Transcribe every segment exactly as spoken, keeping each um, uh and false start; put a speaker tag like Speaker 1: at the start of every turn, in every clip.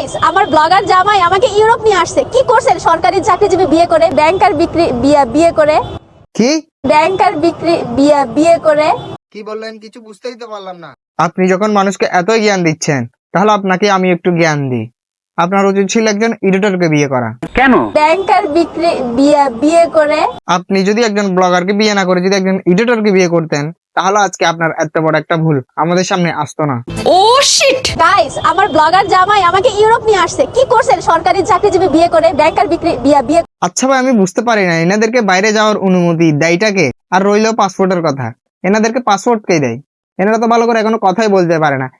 Speaker 1: Guys, আমার blogger জামাই আমাকে ইউরোপ নিয়ে আসছে। কি করছেন? সরকারি চাকরিজীবী বিয়ে করে, ব্যাংকার বিক্রি বিয়ে বিয়ে করে,
Speaker 2: কি
Speaker 1: ব্যাংকার বিক্রি বিয়ে বিয়ে করে।
Speaker 2: কি বললেন? কিছু বুঝতেই তো পারলাম না। আপনি যখন মানুষকে এতই জ্ঞান দিচ্ছেন, তাহলে আপনাকে আমি একটু জ্ঞান দিই। আপনার উচিত ছিল একজন এডিটরকে বিয়ে করা।
Speaker 3: কেন?
Speaker 1: ব্যাংকার বিক্রি বিয়ে বিয়ে করে।
Speaker 2: আপনি যদি একজন ব্লগারকে বিয়ে না করে যদি একজন এডিটরকে বিয়ে করতেন, তাহলে আজকে আপনার এত বড় একটা ভুল আমাদের সামনে আসতো না।
Speaker 1: Oh shit! গাইস, আমার ব্লগার জামাই আমাকে ইউরোপ নিয়ে আসছে। কি করছেন? সরকারি চাকরিজীবী বিয়ে করে, ব্যাংকার বিক্রি বিয়ে বিয়ে।
Speaker 2: আচ্ছা ভাই, আমি বুঝতে পারি না এনাদেরকে বাইরে যাওয়ার অনুমতি দেয়টাকে, আর রইলো পাসপোর্টের কথা। এনাদেরকে পাসপোর্ট কে দেয়? এনারা তো ভালো করে এখনো কথাই বলতে পারে না।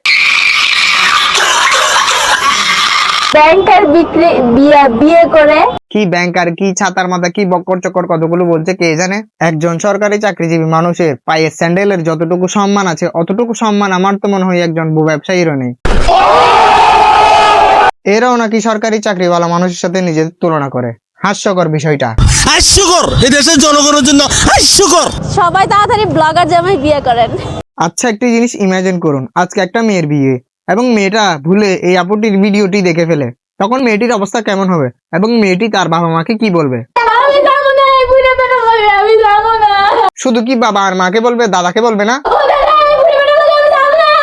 Speaker 1: ব্যাংকার বিক্রি বিয়ে বিয়ে করে।
Speaker 2: কি ব্যাংকার, কি ছাতার মাথা, কি বক্কর চক্কর কতগুলো বলছে কে জানে। একজন সরকারি চাকরিজীবী মানুষের পায়ে স্যান্ডেলের যতটুকু সম্মান আছে, অতটুকু সম্মান আমার তো মনে হয় একজন ব্যবসায়ীরও নেই। এরাও নাকি সরকারি চাকরিওয়ালা মানুষের সাথে নিজের তুলনা করে। হাস্যকর বিষয়টা।
Speaker 4: হাস্যকর, এই দেশের জনগণের জন্য হাস্যকর।
Speaker 1: সবাই তাড়াতাড়ি ব্লগার জামাই বিয়ে করেন।
Speaker 2: আচ্ছা, একটি জিনিস ইমাজিন করুন, আজকে একটা মেয়ের বিয়ে এবং মেয়েটা ভুলে এই আপুটির ভিডিওটি দেখে ফেলে, তখন মেয়েটির অবস্থা কেমন হবে এবং মেয়েটি তার বাবা মাকে কি বলবে?
Speaker 1: আমি যাবো না, এই বুড়ো বেটা বলবে আমি যাবো না।
Speaker 2: শুধু কি বাবা আর মাকে বলবে, দাদাকে বলবে না?
Speaker 1: ও দাদা, এই বুড়ো বেটা বলবে আমি যাবো না।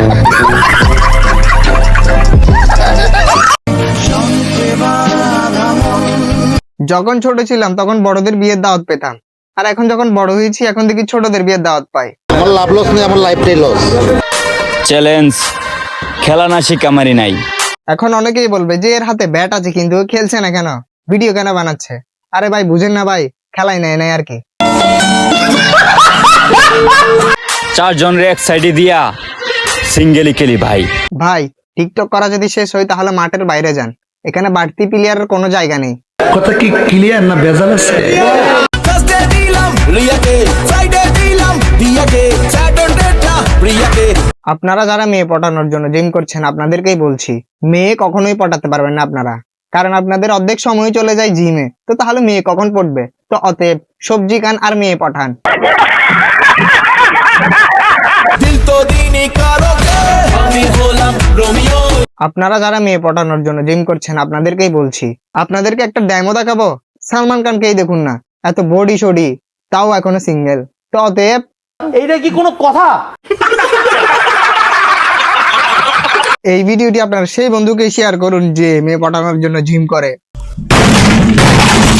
Speaker 2: যখন ছোট ছিলাম তখন বড়দের বিয়ের দাওয়াত পেতাম, আর এখন যখন বড় হয়েছি এখন দেখি ছোটদের বিয়ের দাওয়াত পাই।
Speaker 5: আমার লাভ লস নেই, আমার লাইফটাই লস।
Speaker 3: চ্যালেঞ্জ, খেলা না শিকামারি নাই।
Speaker 2: এখন অনেকেই বলবে যে এর হাতে ব্যাট আছে কিন্তু ও খেলছে না কেন, ভিডিও কেন বানাচ্ছে? আরে ভাই, বুঝেন না ভাই, খেলাই নেয় নাই আর কি।
Speaker 3: চারজন রে এক সাইডে দিয়া সিঙ্গেলি খেলি ভাই।
Speaker 2: ভাই, টিকটক করা যদি শেষ হয় তাহলে মাঠের বাইরে যান, এখানে বাড়তি প্লেয়ারের কোনো জায়গা নেই।
Speaker 4: কথা কি ক্লিয়ার না ভেজাল আছে?
Speaker 2: আপনারা যারা মেয়ে পটানোর জন্য জিম করছেন, আপনাদেরকেই বলছি, মেয়ে কখনোই পটাতে পারবেন না আপনারা, কারণ আপনাদের অর্ধেক সময় চলে যায় জিমে। তো তাহলে মেয়ে কখন পড়বে? তো অতএব সবজি খান আর মেয়ে পঠান। আপনারা যারা মেয়ে পটানোর জন্য জিম করছেন, আপনাদেরকেই বলছি, আপনাদেরকে একটা ড্যামো দেখাবো। সালমান খানকেই দেখুন না, এত বডি সডি, তাও এখনো সিঙ্গেল। তো অতএব
Speaker 6: এইটা কি কোনো কথা?
Speaker 2: এই ভিডিওটি আপনার সেই বন্ধুকে শেয়ার করুন যে মেয়ে পটানোর জন্য জিম করে।